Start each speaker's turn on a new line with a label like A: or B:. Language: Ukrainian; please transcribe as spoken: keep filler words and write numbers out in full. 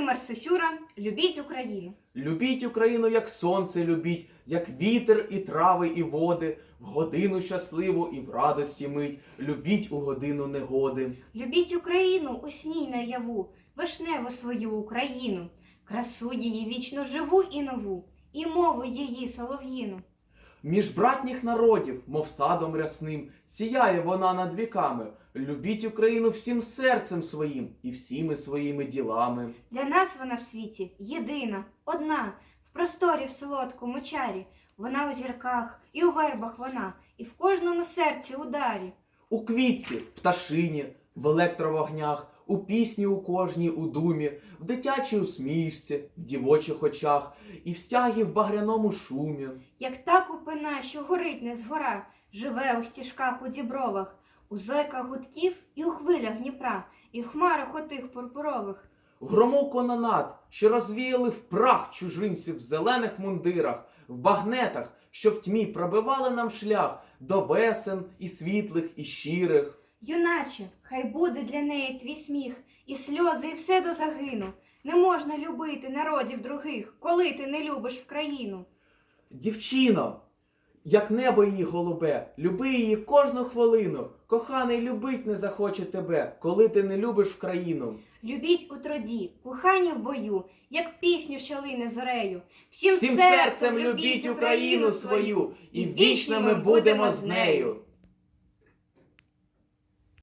A: Володимир Сосюра, любіть Україну.
B: Любіть Україну, як сонце любіть, як вітер і трави і води, в годину щасливу і в радості мить, любіть у годину негоди.
A: Любіть Україну у сні наяву, вишневу свою Україну, красу її вічно живу і нову, і мову її солов'їну.
B: Між братніх народів, мов садом рясним, сіяє вона над віками. Любіть Україну всім серцем своїм і всіми своїми ділами.
A: Для нас вона в світі єдина, одна, в просторі в солодкому чарі. Вона у зірках, і у вербах вона, і в кожному серці ударі.
B: У квітці, пташині, в електровогнях, у пісні у кожній у думі, в дитячій усмішці, в дівочих очах і в стягі в багряному шумі.
A: Як та купина, що горить не згора, живе у стіжках у дібровах, у зойках гудків і у хвилях Дніпра, і в хмарах отих пурпурових.
B: В грому кононад, що розвіяли в прах чужинців в зелених мундирах, в багнетах, що в тьмі пробивали нам шлях до весен і світлих, і щирих.
A: Юначе, хай буде для неї твій сміх, і сльози, і все до загину. Не можна любити народів других, коли ти не любиш в країну.
B: Дівчино, як небо її голубе, люби її кожну хвилину. Коханий любить не захоче тебе, коли ти не любиш в країну.
A: Любіть у труді, кохання в бою, як пісню, що лине зорею. Всім,
B: Всім серцем любіть Україну свою, і вічно ми будемо з нею.